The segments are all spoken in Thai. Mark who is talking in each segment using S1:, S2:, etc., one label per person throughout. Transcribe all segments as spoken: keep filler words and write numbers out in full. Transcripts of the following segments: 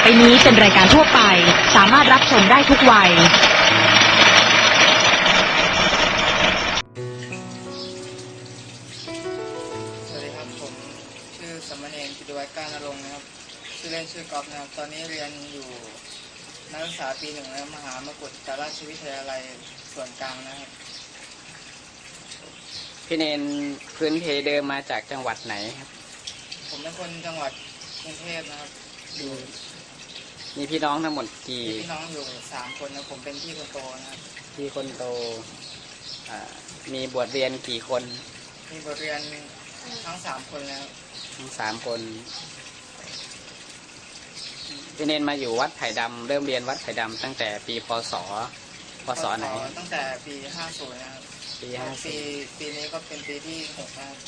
S1: นี้เป็นรายการทั่วไปสามารถรับชมได้ทุกวัย
S2: สวัสดีครับผมชื่อสมณเณรกิติวัฒน์การณรงค์นะครับชื่อเล่นชื่อกอล์ฟนะครับตอนนี้เรียนอยู่นักศึกษาปีหนึ่งแล้วมหามกุฏราชวิทยาลัยส่วนกลางนะครับ
S3: พี่เนนพื้นเพเดิมมาจากจังหวัดไหนครับ
S2: ผมเป็นคนจังหวัดกรุงเทพนะครับอยู่
S3: มีพี่น้องทั้งหมดกี่
S2: พี่น้องอยู่สามคนนะผมเป็นพี่คนโตนะครับ
S3: พี่คนโตมีบวชเรียนกี่คน
S2: มีบวชเรียนทั้งสามคนแล้ว
S3: ทั้งสามคนพี่เนนมาอยู่วัดไผ่ดำเริ่มเรียนวัดไผ่ดำตั้งแต่ปีพศพศไหน
S2: ตั้งแต่ปีห้าสิบนะครับ
S3: ปีห้าสิบ
S2: ปีปีนี้ก็เป็นปีที่หกแล้ว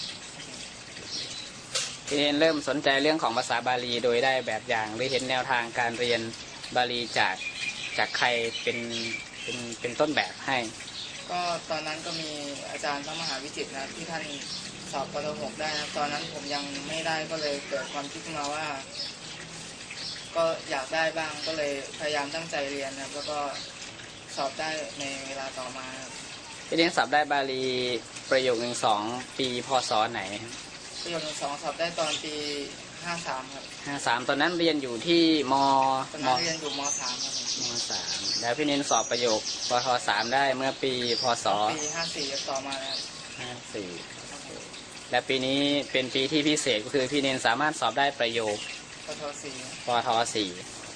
S3: พี่เนนเริ่มสนใจเรื่องของภาษาบาลีโดยได้แบบอย่างหรือเห็นแนวทางการเรียนบาลีจากจากใครเป็นเป็นเป็นต้นแบบให้
S2: ก็ตอนนั้นก็มีอาจารย์พระมหาวิจิตรนะที่ท่านสอบปฐมหกได้นะตอนนั้นผมยังไม่ได้ก็เลยเกิดความคิดขึ้นมาว่าก็อยากได้บ้างก็เลยพยายามตั้งใจเรียนนะแล้วก็สอบได้ในเวลาต่อมา
S3: พี่เนนสอบได้บาลีประโยคหนึ่งสองปีพศไหน
S2: ประโยคหนึ่งสองสอบได้ตอนปีห้าสามครับ
S3: ห้าสามตอนนั้นเรียนอยู่ที่ม
S2: ตอนนั้นเรียนอยู่มสามครับ
S3: มสามแล้วพี่เนนสอบประโยคปทสามได้เมื่อปีพศ
S2: ปีห้าสี่ต่อมาแล้ว
S3: ห้าสี่และปีนี้เป็นปีที่พิเศษก็คือพี่เนนสามารถสอบได้ประโยค
S2: ปทสี่
S3: ปทสี่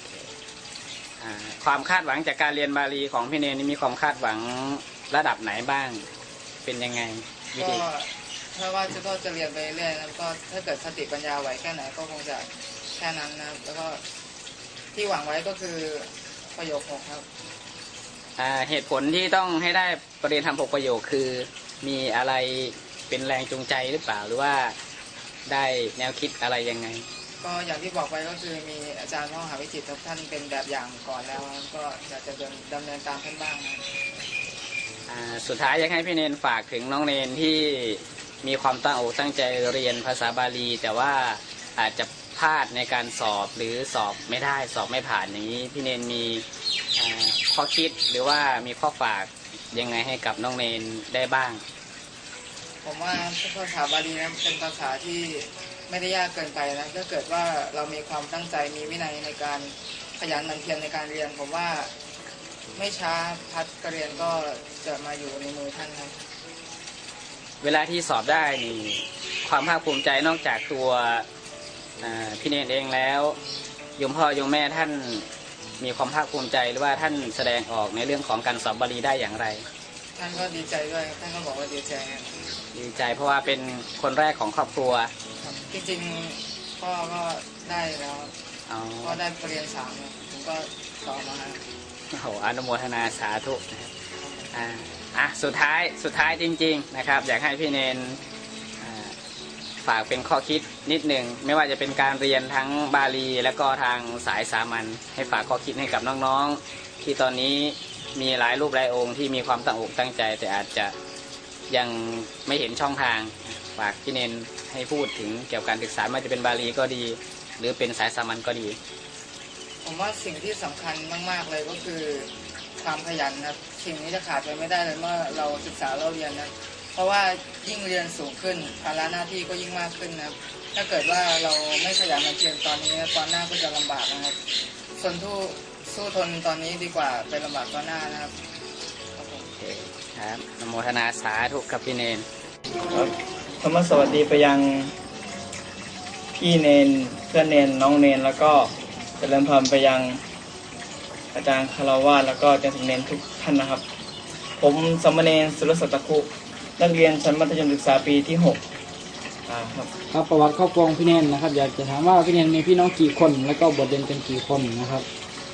S3: ความคาดหวังจากการเรียนบาลีของพี่เนนนี่มีความคาดหวังระดับไหนบ้างเป็นยังไงวิธี
S2: ถ้าว่าจะก็จะเรียนไปเรื่อยแล้วก็ถ้าเกิดสติปัญญาไหวแค่ไหนก็คงจะแค่นั้นนะแล้วก็ที่หวังไว้ก็คือประโยคหกครับ
S3: เหตุผลที่ต้องให้ได้ประเด็นทำหกประโยคคือมีอะไรเป็นแรงจูงใจหรือเปล่าหรือว่าได้แนวคิดอะไรยังไง
S2: ก็อย่างที่บอกไปก็คือมีอาจารย์พระมหาวิจิตรท่านเป็นแบบอย่างก่อนแล้วก็อยากจะดำเนินตามท่านบ้างนะ
S3: สุดท้ายอยากให้พี่เนนฝากถึงน้องเนนที่มีความตั้งอกตั้งใจเรียนภาษาบาลีแต่ว่าอาจจะพลาดในการสอบหรือสอบไม่ได้สอบไม่ผ่านอย่างนี้พี่เนนมีข้อคิดหรือว่ามีข้อฝากยังไงให้กับน้องเนนได้บ้าง
S2: ผมว่าภาษาบาลีนะเป็นภาษาที่ไม่ได้ยากเกินไปนะถ้าเกิดว่าเรามีความตั้งใจมีวินัยในการขยันหมั่นเพียรในการเรียนผมว่าไม่ช้าพัฒน์เรียนก็จะมาอยู่ในมือท่านครับ
S3: เวลาที่สอบได้นี่ความภาคภูมิใจนอกจากตัวพี่เนนเองแล้วโยมพ่อโยมแม่ท่านมีความภาคภูมิใจหรือว่าท่านแสดงออกในเรื่องของการสอบบาลีได้อย่างไร
S2: ท่านก็ดีใจด้วยท่านก็บอกว่าดีใจ
S3: ดีใจเพราะว่าเป็นคนแรกของครอบครัว
S2: จริงๆพ่อก็ได้แล้วพ่อได้ปริญญาสามผมก็ต่อมา
S3: โอ้โหอนุโมทนาสาธุอ่าอ่ะสุดท้ายสุดท้ายจริงๆนะครับอยากให้พี่เนนฝากเป็นข้อคิดนิดหนึ่งไม่ว่าจะเป็นการเรียนทั้งบาลีและก็ทางสายสามัญให้ฝากข้อคิดให้กับน้องๆที่ตอนนี้มีหลายรูปหลายองค์ที่มีความตั้งอกตั้งใจแต่อาจจะยังไม่เห็นช่องทางฝากพี่เนนให้พูดถึงเกี่ยวกับการศึกษาไม่ว่าจะเป็นบาลีก็ดีหรือเป็นสายสามัญก็ดี
S2: ผมว่าสิ่งที่สำคัญมากๆเลยก็คือความขยันนะสิ่งนี้จะขาดไปไม่ได้เลยเมื่อเราศึกษาเราเรียนนะเพราะว่ายิ่งเรียนสูงขึ้นภาระหน้าที่ก็ยิ่งมากขึ้นนะถ้าเกิดว่าเราไม่ขยันหมั่นเพียรตอนนี้ตอนหน้าก็จะลำบากนะครับส่วนทูสู้ทนตอนนี้ดีกว่าไปลำบากตอนหน้านะครับ
S3: โอเคครับอนุโมทนาสาธุกับพี่เนน
S2: ครับธรรมสวัสดีไปยังพี่เนนเพื่อนเนนน้องเนนแล้วก็เจริญพรไปยังอาจารย์คารวะแล้วก็อาจารย์สมเนนทุกท่านนะครับผมสมณเณรสุรศักดิ์ตะคุนักเรียนชั้นมัธยมศึกษาปีที่หกครับ
S4: ครับประวัติครอบครัวพี่เนนนะครับอยากจะถามว่าพี่เนนมีพี่น้องกี่คนแล้วก็บวชเรียนกันกี่คนนะครับ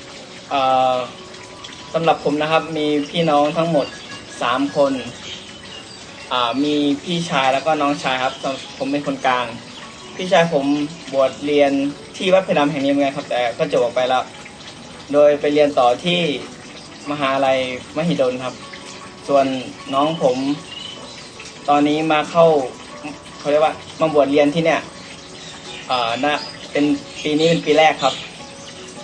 S2: สำหรับผมนะครับมีพี่น้องทั้งหมดสามคนมีพี่ชายแล้วก็น้องชายครับผมเป็นคนกลางพี่ชายผมบวชเรียนที่วัดเพดำแห่งนี้เหมือนกันครับแต่ก็จบออกไปแล้วโดยไปเรียนต่อที่มหาลัยมหิดลครับส่วนน้องผมตอนนี้มาเข้าเขาเรียกว่ามาบวชเรียนที่เนี่ยอ่าน่าเป็นปีนี้เป็นปีแรกครับ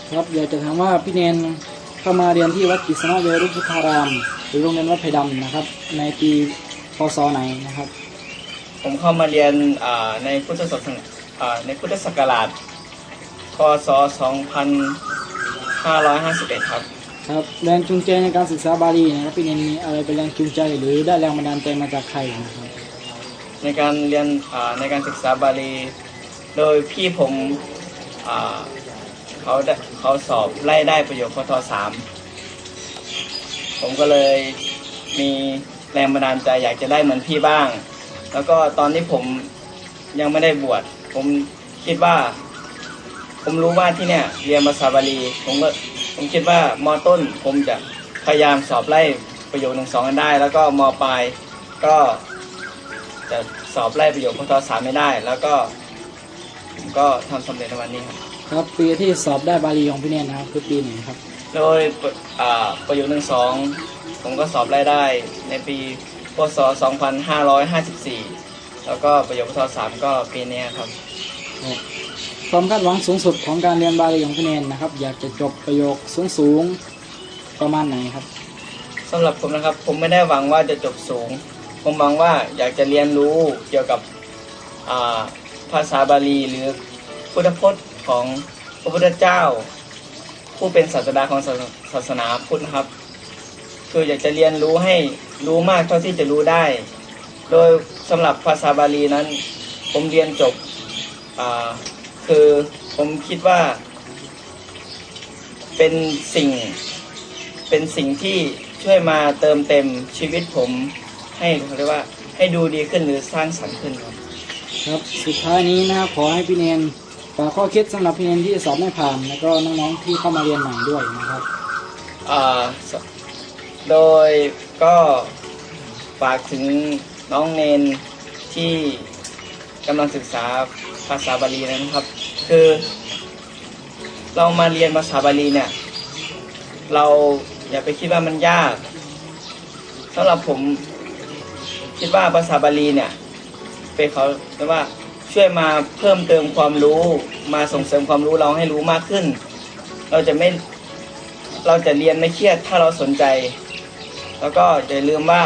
S4: ครับอยากจะถามว่าพี่เนนเข้ามาเรียนที่วัดกฤษณะเวรุพุทธารามหรือโรงเรียนวัดไผ่ดำนะครับในปีพศไหนนะครับ
S2: ผมเข้ามาเรียนอ่าในพุทธศักราชอ่าในพุทธศักราชพศสองพันห้าร้อยห้าสิบเอ็ดครับ
S4: ครับแรงจูงใจในการศึกษาบาลีนะครับพี่เนนมีอะไรเป็นแรงจูงใจหรือได้แรงบันดาลใจมาจากใครนะครับ
S2: ในการเรียนอ่าในการศึกษาบาลี โดยพี่ผมอ่าเขาได้เขาสอบไล่ได้ประโยคพทสามผมก็เลยมีแรงบันดาลใจอยากจะได้เหมือนพี่บ้าง แล้วก็ตอนที่ผมยังไม่ได้บวชผมคิดว่า ผมรู้ว่าที่เนี่ยเรียนภาษาบาลีผมก็ผมคิดว่ามต้นผมจะพยายามสอบไล่ประโยคหนึ่งสองกันได้ แล้วก็มปลายก็จะสอบไล่ประโยคพทสามไม่ได้ แล้วก็ผมก็ทำสำเร็จในวันนี้ครับ
S4: ครับปีที่สอบได้บาลีของพี่เนนนะครับคือปีไหนครับ
S2: โดยอ่าประโยคหนึ่งสองผมก็สอบไล่ได้ในปีพศสองพันห้าร้อยห้าสิบสี่แล้วก็ประโยคพทสามก็ปีนี้ครับ
S4: ความคาดหวังสูงสุดของการเรียนบาลีของพี่เนนนะครับอยากจะจบประโยคสูงสูงๆประมาณไหนครับ
S2: สำหรับผมนะครับผมไม่ได้หวังว่าจะจบสูง ผมหวังว่าอยากจะเรียนรู้เกี่ยวกับอ่าภาษาบาลีหรือพุทธพจน์ของพระพุทธเจ้า ผู้เป็นศาสดาของศาสศาสนาพุทธนะครับ คืออยากจะเรียนรู้ให้รู้มากเท่าที่จะรู้ได้ โดยสำหรับภาษาบาลีนั้น ผมเรียนจบอ่าคือผมคิดว่าเป็นสิ่งเป็นสิ่งที่ช่วยมาเติมเต็มชีวิตผมให้เขาเรียกว่าให้ดูดีขึ้นหรือสร้างสรรค์ขึ้นครับ
S4: ครับสุดท้ายนี้นะครับขอให้พี่เนนฝากข้อคิดสำหรับพี่เนนที่สอบไม่ผ่านแล้วก็น้องๆที่เข้ามาเรียนใหม่ด้วยนะครับ
S2: อ่าสโดยก็ฝากถึงน้องเนนที่กำลังศึกษาภาษาบาลีนะครับ คือเรามาเรียนภาษาบาลีเนี่ยเราอย่าไปคิดว่ามันยากสำหรับผมคิดว่าภาษาบาลีเนี่ยเป็นเขาเรียกว่าช่วยมาเพิ่มเติมความรู้มาส่งเสริมความรู้เราให้รู้มากขึ้น เราจะไม่เราจะเรียนไม่เครียดถ้าเราสนใจ แล้วก็อย่าลืมว่า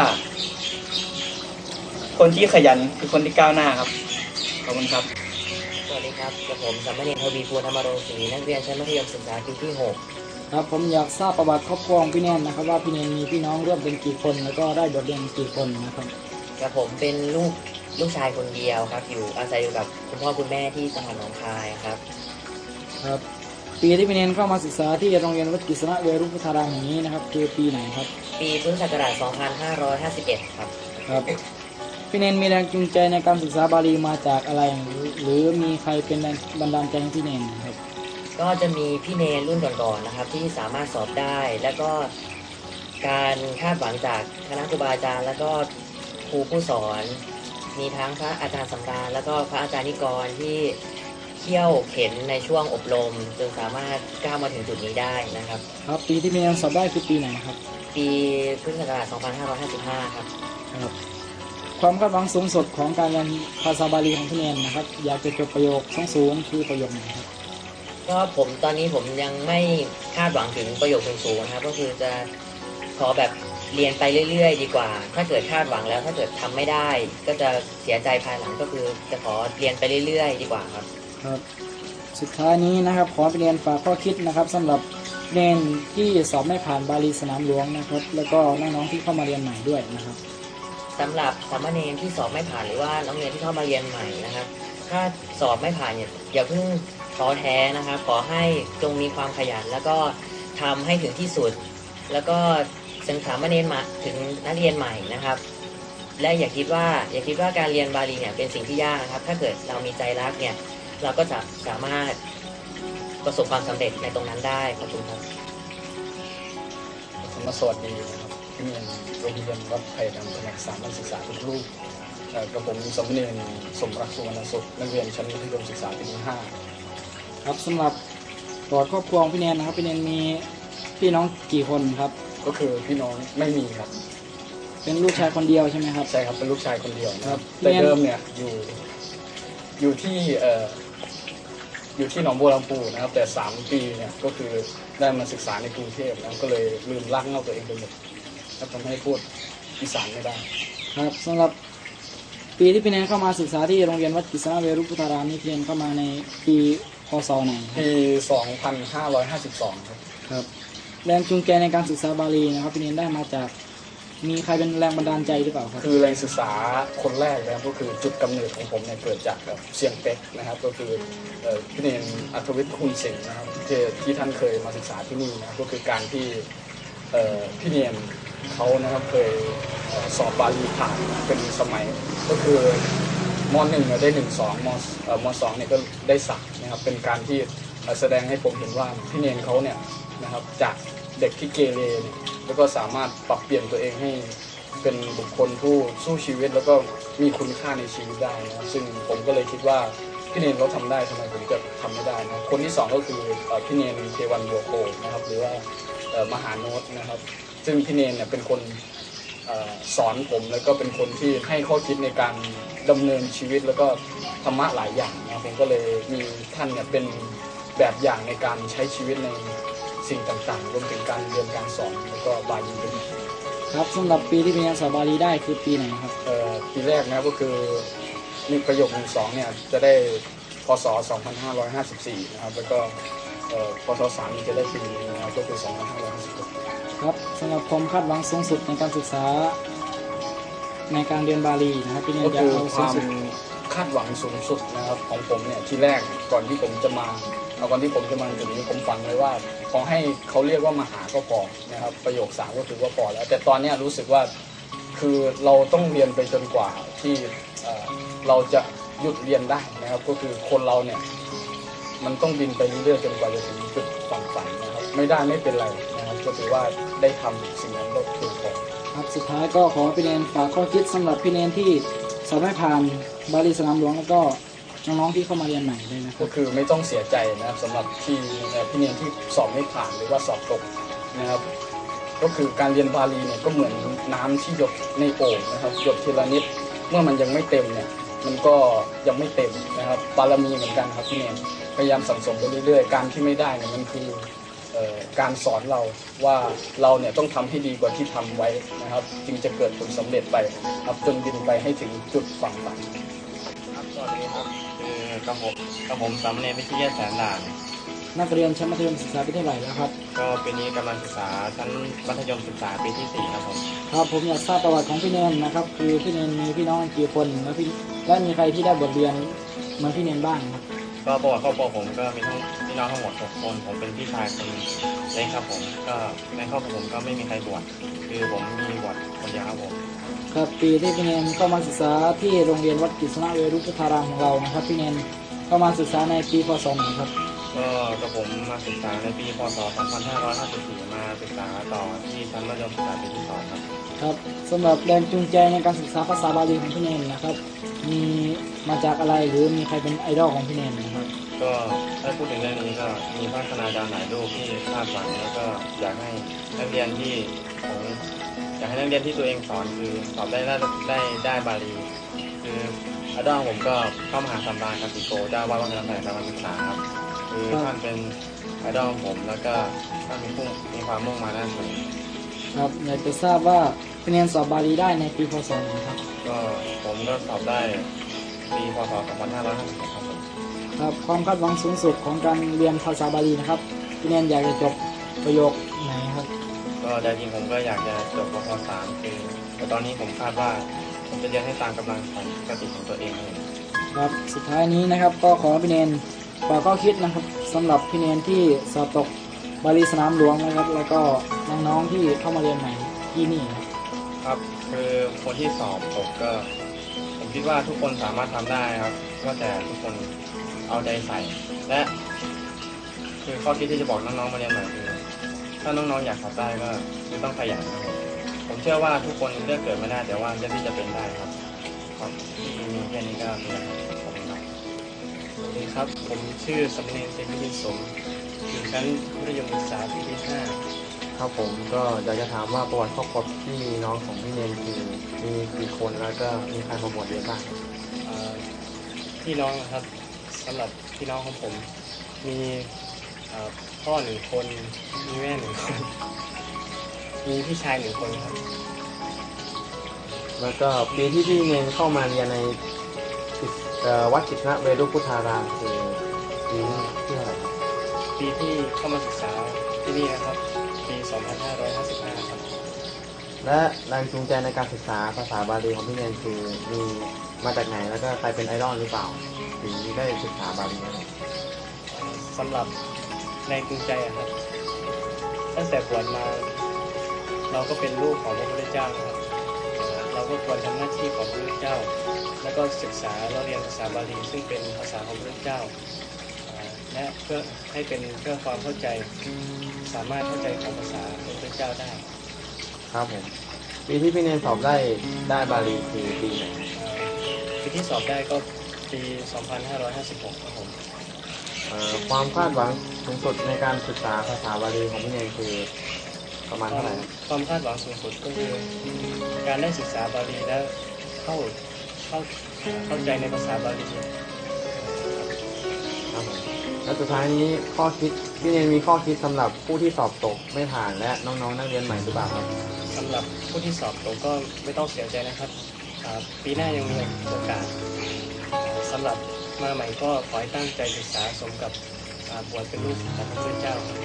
S2: คนที่ขยันคือคนที่ก้าวหน้าครับขอบคุณครับ
S5: สวัสดีครับกับผมสัมมเนรทวีภูลธรรมรงศรีนักเรียนชั้นมัธยมศึกษาปีที่หก
S4: ครับผมอยากทราบประวัติครอบครัวของพี่เนนนะครับว่าพี่เนนมีพี่น้องร่วมเป็นกี่คนแล้วก็ได้บทเรียนกี่คนนะครับ
S5: กับผมเป็นลูกลูกชายคนเดียวครับอยู่อาศัยอยู่กับคุณพ่อคุณแม่ที่จังหวัดหนองคายครับ
S4: ครับปีที่พี่เนนเข้ามาศึกษาที่โรงเรียนวัดกฤษณะเวรุพุทธารามแห่งนี้นะครับคือปีไหนครับ
S5: ปีพุทธศักราชสองพันห้าร้อยห้าสิบเอ็ดครับ
S4: ครับพี่เนนมีแรงจูงใจในการศึกษาบาลีมาจากอะไรหรือหรือมีใครเป็นแรงบันดาลใจให้พี่เนนครับ
S5: ก็จะมีพี่เนรรุ่นก่อนๆนะครับที่สามารถสอบได้ แล้วก็การคาดหวังจากคณะครูบาอาจารย์ แล้วก็ครูผู้สอน มีทั้งพระอาจารย์สำราญแล้วก็พระอาจารย์นิกรที่เขี่ยวเข็นในช่วงอบรมจนสามารถก้าวมาถึงจุดนี้ได้นะครับ
S4: ครับปีที่พี่เนนสอบได้คือปีไหนครับ
S5: ปีพุทธศักราชสองพันห้าร้อยห้าสิบห้า ครับ
S4: ครับความคาดหวังสูงสุดของการเรียนภาษาบาลีของพี่เนนนะครับอยากจะจบประโยคสูงสูงๆคือประโยคไหนครับ
S5: ก็ผมตอนนี้ผมยังไม่คาดหวังถึงประโยคสูงๆนะครับก็คือจะขอแบบเรียนไปเรื่อยๆ ดีกว่า ถ้าเกิดคาดหวังแล้วถ้าเกิดทำไม่ได้ ก็จะเสียใจภายหลังก็คือจะขอเรียนไปเรื่อยๆ ดีกว่าครับ
S4: ครับสุดท้ายนี้นะครับขอพี่เนนฝากข้อคิดนะครับสำหรับเนนที่สอบไม่ผ่านบาลีสนามหลวงนะครับแล้วก็น้องๆที่เข้ามาเรียนใหม่ด้วยนะครับ
S5: สำหรับสามเณรที่สอบไม่ผ่านหรือว่าน้องเรียนที่เข้ามาเรียนใหม่นะครับ ถ้าสอบไม่ผ่านเนี่ยอย่าเพิ่งท้อแท้นะครับขอให้จงมีความขยัน แล้วก็ทำให้ถึงที่สุด แล้วก็ศึกษาสามเณรมาถึงนักเรียนใหม่นะครับ และอย่าคิดว่าอย่าคิดว่าการเรียนบาลีเนี่ยเป็นสิ่งที่ยากนะครับ ถ้าเกิดเรามีใจรักเนี่ยเราก็จะสามารถประสบความสำเร็จในตรงนั้นได้ขอบคุณครับ
S6: มาสวัสดีนะครับที่นี่โรงเรียนวัดไผ่ดำแผนกสามัญศึกษาทุกรูปเอ่อกับผมสมเด็จสมรักสุวรรณสุขนักเรียนชั้นมัธยมศึกษาปีที่ห้า
S4: ครับสำหรับประวัติครอบครัวของพี่เนนนะครับพี่เนนมีพี่น้องกี่คนครับ
S6: ก็คือพี่น้องไม่มีครับ
S4: เป็นลูกชายคนเดียวใช่ไหมครับ
S6: ใช่ครับเป็นลูกชายคนเดียวนะค
S4: ครั
S6: รั
S4: บบ
S6: แต่
S4: เรียน
S6: เดิมเนี่ยอยู่อยู่ที่เอ่ออยู่ที่หนองบัวลำพูนะครับแต่สามปีเนี่ยก็คือได้มาศึกษาในกรุงเทพแล้วก็เลยลืมรักเงาตัวเองไปหมดแล้วทำให้พูดอีสานไม่ได้
S4: ครับสำหรับปีที่พี่แนนเข้ามาศึกษาที่โรงเรียนวัดกฤษณะเวรุพุทธารามนี่พี่แนนเข้ามาในปีพศไหนครับ
S6: ปี สองพันห้าร้อยห้าสิบสอง ครับ
S4: ครับแรงจูงใจในการศึกษาบาลีนะครับพี่เนนได้มาจากมีใครเป็นแรงบันดาลใจหรือเปล่าครับ
S6: คือแรงศึกษาคนแรกนะครับก็คือจุดกำเนิดของผมเนี่ยเกิดจากแบบเสียงเป็กนะครับก็คือเอ่อพี่เนนอัธวิทย์คุณสิงห์นะครับที่ที่ท่านเคยมาศึกษาที่นี่นะครับก็คือการที่เอ่อพี่เนนเขานะครับเคยเอ่อสอบบาลีผ่านเป็นสมัยก็คือมหนึ่งเนี่ยได้หนึ่งสองมเอ่อมสองเนี่ยก็ได้สามนะครับเป็นการที่เอ่อแสดงให้ผมเห็นว่าพี่เนนเขาเนี่ยนะครับจากเด็กที่เกเรเนี่ยแล้วก็สามารถปรับเปลี่ยนตัวเองให้เป็นบุคคลผู้สู้ชีวิตแล้วก็มีคุณค่าในชีวิตได้นะครับซึ่งผมก็เลยคิดว่าพี่เนนเขาทำได้ทำไมผมจะทำไม่ได้นะคนที่สองก็คือเอ่อพี่เนนเทวันบัวโกนะครับหรือว่าเอ่อมหาโนตนะครับซึ่งพี่เนนเนี่ยเป็นคนเอ่อสอนผมแล้วก็เป็นคนที่ให้ข้อคิดในการดำเนินชีวิตแล้วก็ธรรมะหลายอย่างนะครับผมก็เลยมีท่านเนี่ยเป็นแบบอย่างในการใช้ชีวิตในสิ่งต่างๆรวมถึงการเรียนการสอนแล้วก็บาลีด้วย
S4: ครับสำหรับปีที่พี่เนนสอบบาลีได้คือปีไหนครับ
S6: เอ่อปีแรกนะครับก็คือมีประโยคหนึ่งสองเนี่ยจะได้พศสองพันห้าร้อยห้าสิบสี่นะครับแล้วก็เอ่อพศสามนี่จะได้ปีนี้นะครับก็คือสองพันห้าร้อยห้าสิบหก
S4: ครับสำหรับความคาดหวังสูงสุดในการศึกษาในการเรียนบาลีนะครับพี่เนน
S6: ก็
S4: อยาก
S6: คือ
S4: เอา
S6: ค
S4: สูง
S6: วาม
S4: สุด
S6: คาดหวังสูงสุดนะครับของผมเนี่ยที่แรกก่อนที่ผมจะมาเอาก่อนที่ผมจะมาถึงนี้ผมฝันไว้ว่าขอให้เขาเรียกว่ามหาก็พอนะครับประโยคสามก็คือว่าพอแล้วแต่ตอนเนี้ยรู้สึกว่าคือเราต้องเรียนไปจนกว่าที่เอ่อเราจะหยุดเรียนได้นะครับก็คือคนเราเนี่ยมันต้องบินไปเรื่อยๆจนกว่าจะถึงจุดฝั่งฝันนะครับไม่ได้ไม่เป็นไรนะครับก็ถือว่าได้ทำสิ่งนั้นก็เพียงพอ
S4: ครับสุดท้ายก็ขอพี่เนนฝากข้อคิดสำหรับพี่เนนที่สอบไม่ผ่านบาลีสนามหลวงแล้วก็น้องๆที่เข้ามาเรียนใหม่ด้วยนะครั
S6: ก็
S4: บ
S6: คือไม่ต้องเสียใจนะครับสำหรับที่เอ่อพี่เนียนที่สอบไม่ผ่านหรือว่าสอบตกนะครับก็คือการเรียนบาลีเนี่ยก็เหมือนน้ำที่หยดในโอ่งนะครับหยดทีละนิดเมื่อมันยังไม่เต็มเนี่ยมันก็ยังไม่เต็มนะครับบารมีเหมือนกันครับพี่เนียนพยายามสั่งสมไปเรื่อยๆการที่ไม่ได้เนี่ยมันคือเอ่อการสอนเราว่าเราเนี่ยต้องทำให้ดีกว่าที่ทำไว้นะครับจึงจะเกิดผลสำเร็จไปครับจนบินไปให้ถึงจุดฝั่งฝัน
S7: ครับสวัสดีครับคือกระผมกระผมสามเณรวิทยาแสนด่าน
S4: นักเรียนชั้นมัธยมศึกษาปีที่เท่าไหร่แล้วครับ
S7: ก็ปีนี้กำลังศึกษาชั้นมัธยมศึกษาปีที่สี่ครับผม
S4: ครับผมอยากทราบประวัติของพี่เนนนะครับคือพี่เนนมีพี่น้องกี่คนแล้วพี่และมีใครที่ได้บทเรียนเหมือนพี่เนนบ้างครับ
S7: ก็ประวัติครอบครัวผมก็มีทั้งพี่น้องทั้งหมดหกคนผมเป็นพี่ชายคนเล็กครับผมก็ในครอบครัวผมก็ไม่มีใครบวชคือผมมีบวชคนเดียวครับผม
S4: ครับปีที่พี่เนนเข้ามาศึกษาที่โรงเรียนวัดกฤษณะเวรุพุทธารามของเรานะครับพี่เนนเข้ามาศึกษาในปีพศไหนครับ
S7: ก็กระผมมาศึกษาในปีพศสองพันห้าร้อยห้าสิบสี่มาศึกษาต่อที่ชั้นมัธยมศึกษาปีที่สองครับ
S4: ครับสำหรับแรงจูงใจในการศึกษาภาษาบาลีของพี่เนนนะครับมีมาจากอะไรหรือมีใครเป็นไอดอลของพี่เนนนะครับ
S7: ก็ถ้าพูดถึงเรื่องนี้ก็มีพระคณาจารย์หลายรูปที่คาดหวังแล้วก็อยากให้นักเรียนที่ของอยากให้นักเรียนที่ตัวเองสอนคือสอบได้ได้ได้ได้บาลีคืออาจารย์ผมก็เข้ามหาสัมบาลคันติโกเจ้าว่าวัดพระนครการศึกษาครับคือท่านเป็นไอดอลของผมแล้วก็ท่านมีพุ่งมีความมุ่งมาด้านสูง
S4: ครับอยากจะทราบว่าพี่เนนสอบบาลีได้ในปีพศไหนครับ
S7: ก็ผมก็สอบได้ปีพศสองพันห้าร้อยห้าสิบหกครับผม
S4: ครับความคาดหวังสูงสุดของการเรียนภาษาบาลีนะครับพี่เนนอยากจะจบประโยคไหนครับ
S7: ก็ใจจริงผมก็อยากจะจบปพสามคือแต่ตอนนี้ผมคาดว่าผมจะเรียนให้ตามกำลังของปกติของตัวเองเลย
S4: ครับสุดท้ายนี้นะครับก็ขอพี่เนนฝากข้อคิดนะครับสำหรับพี่เนนที่สอบตกบาลีสนามหลวงนะครับ แล้วก็น้องๆที่เข้ามาเรียนใหม่ที่นี่ครับ
S7: ครับคือคนที่สอบตกก็ ผมคิดว่าทุกคนสามารถทำได้ครับก็แต่ทุกคนเอาใจใส่ และคือข้อคิดที่จะบอกน้องๆมาเรียนใหม่คือถ้าน้องๆอยากสอบได้ก็คือต้องขยันครับผมเชื่อว่าทุกคนเลือกเกิดไม่ได้แต่ว่าเลือกที่จะเป็นได้ครับครับที่มีแค่นี้ก็มีแล้วครับขอบคุณครับ
S8: สวัสดีครับ ผมชื่อสำเนียงเต็มพิสมอยู่ชั้นมัธยมศึกษาปีที่ห้า
S7: ครับผมก็อยากจะถามว่าประวัติครอบครัวพี่น้องของพี่เนนคือมีกี่คนแล้วก็มีใครมาบวชเรียนบ้าง
S8: เอ่อพี่น้องนะครับสำหรับพี่น้องของผมมีเอ่อพ่อหนึ่งคนมีแม่หนึ่งคนมีพี่ชายหนึ่งคนครับ
S7: แล้วก็ปีที่พี่เนนเข้ามาเรียนในเอ่อวัดกิษณะเวรุพุทธารามคือปีที่เท่าไหร่ครับ
S8: ปีที่เข้ามาศึกษาที่นี่นะครับปี สองพันห้าร้อยห้าสิบห้า ครับ
S7: และแรงจูงใจในการศึกษาภาษาบาลีของพี่เนนคือมีมาจากไหนแล้วก็ใครเป็นไอดอลหรือเปล่าถึงได้ศึกษาบาลีอะไร
S8: สำหรับแรงจูงใจอะครับตั้งแต่บวชมาเราก็เป็นลูกของพระพุทธเจ้านะครับเราก็ควรทำหน้าที่ของพระพุทธเจ้า แล้วก็ศึกษาเราเรียนภาษาบาลีซึ่งเป็นภาษาของพระพุทธเจ้าอ่าและเพื่อให้เป็นเพื่อความเข้าใจสามารถเข้าใจของภาษาของพระพุทธเจ้าได้
S7: ครับผมปีที่พี่เนนสอบได้ได้บาลีคือปีไหน
S8: อ่าปีที่สอบได้ก็ปี สองพันห้าร้อยห้าสิบหก ครับผม
S7: เอ่อความคาดหวังสูงสุดในการศึกษาภาษาบาลีของพี่เนนคือประมาณเท่าไหร่ครับ
S8: ความคาดหวังสูงสุดก็คือการได้ศึกษาบาลีและเข้าเข้าเข้าใจในภาษาบาลี
S7: ครับผมแล้วสุดท้ายนี้ข้อคิดพี่เนนมีข้อคิดสำหรับผู้ที่สอบตกไม่ผ่านและน้องๆนักเรียนใหม่หรือเปล่าครับ
S8: สำหรับผู้ที่สอบตกก็ไม่ต้องเสียใจนะครับอ่าปีหน้ายังมีโอกาสสำหรับมาใหม่ก็ขอให้ตั้งใจศึกษาสมกับอ่าบวชเป็นลูกของพระพุทธเจ้าครับ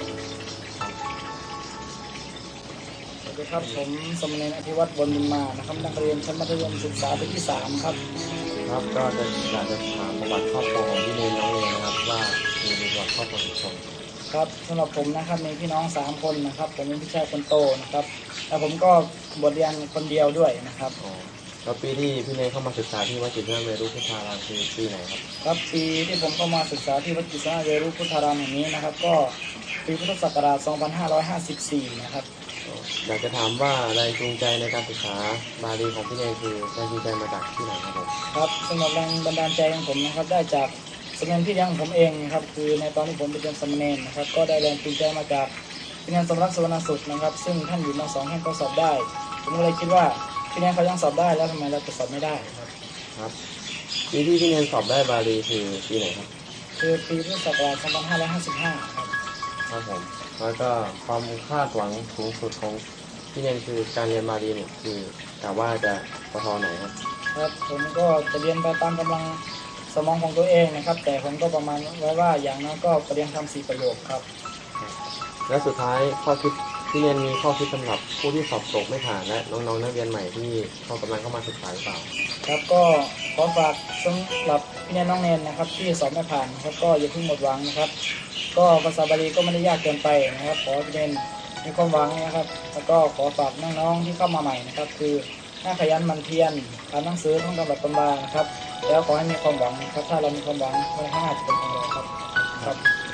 S4: สวัสดีครับผมสมณเณรอภิวัตรบนบุญมานะครับนักเรียนชั้นมัธยมศึกษาปีที่สามครับ
S7: ครับก็จะอยากจะถามประวัติครอบครัวของพี่เนนน้องเนนนะครับว่ามีประวัติครอบครัวกี่คน
S4: ครับสำหรับผมนะครับมีพี่น้องสามคนนะครับผมเป็นพี่ชายคนโตนะครับแล้วผมก็บวชเรียนคนเดียวด้วยนะครับ
S7: อ๋อแล้วปีที่พี่เนนเข้ามาศึกษาที่วัดกิษณะเวรุพุทธารามคือปีไหนครับ
S4: ครับปีที่ผมเข้ามาศึกษาที่วัดกิษณะเวรุพุทธารามแห่งนี้นะครับก็ปีพุทธศักราช สองพันห้าร้อยห้าสิบสี่ นะครับ
S7: อยากจะถามว่าแรงจูงใจในการศึกษาบาลีของพี่เนนคือแรงจูงใจมาจากที่ไหนครับผม
S4: ครับสำหรับแรงบันดาลใจของผมนะครับได้จากสมณเณรพี่เลี้ยงของผมเองนะครับคือในตอนที่ผมเป็นสมณเณรนะครับก็ได้แรงจูงใจมาจากพี่เลี้ยงสมรักสวรรณสุดนะครับซึ่งท่านอยู่มสองท่านก็สอบได้ผมก็เลยคิดว่าพี่เลี้ยงเขายังสอบได้แล้วทำไมเราจะสอบไม่ได้ครับ
S7: ครับปีที่พี่เนนสอบได้บาลีคือปีไหนครับ
S4: คือปีพุทธศักราช สองพันห้าร้อยห้าสิบห้า ครับ
S7: ครับผมแล้วก็ความคาดหวังสูงสุดของพี่เนนคือการเรียนบาลีเนี่ยคือกะว่าจะปทไหนครับ
S4: ครับผมก็จะเรียนไปตามกำลังสมองของตัวเองนะครับแต่ผมก็ประมาณไว้ว่าอย่างน้อยก็ประเรียนคำสี่ประโยคครับ
S7: และสุดท้ายข้อคิดพี่เนนมีข้อคิดสำหรับผู้ที่สอบตกไม่ผ่านและน้องๆนักเรียนใหม่ที่เขากำลังเข้ามาศึกษาหรือเปล่า
S4: ครับก็ขอฝากสำหรับพี่เนนน้องเนนนะครับที่สอบไม่ผ่านนะครับก็อย่าเพิ่งหมดหวังนะครับก็ภาษาบาลีก็ไม่ได้ยากเกินไปนะครับขอให้พี่เนนมีความหวังนะครับแล้วก็ขอฝากน้องๆที่เข้ามาใหม่นะครับคือน่าขยันหมั่นเพียรอ่านหนังสือท่องตำรับตำรานะครับแล้วขอให้มีความหวังนะครับถ้าเรามีความหวังไว้ข้างหน้าจะเป็นของเราครับครับ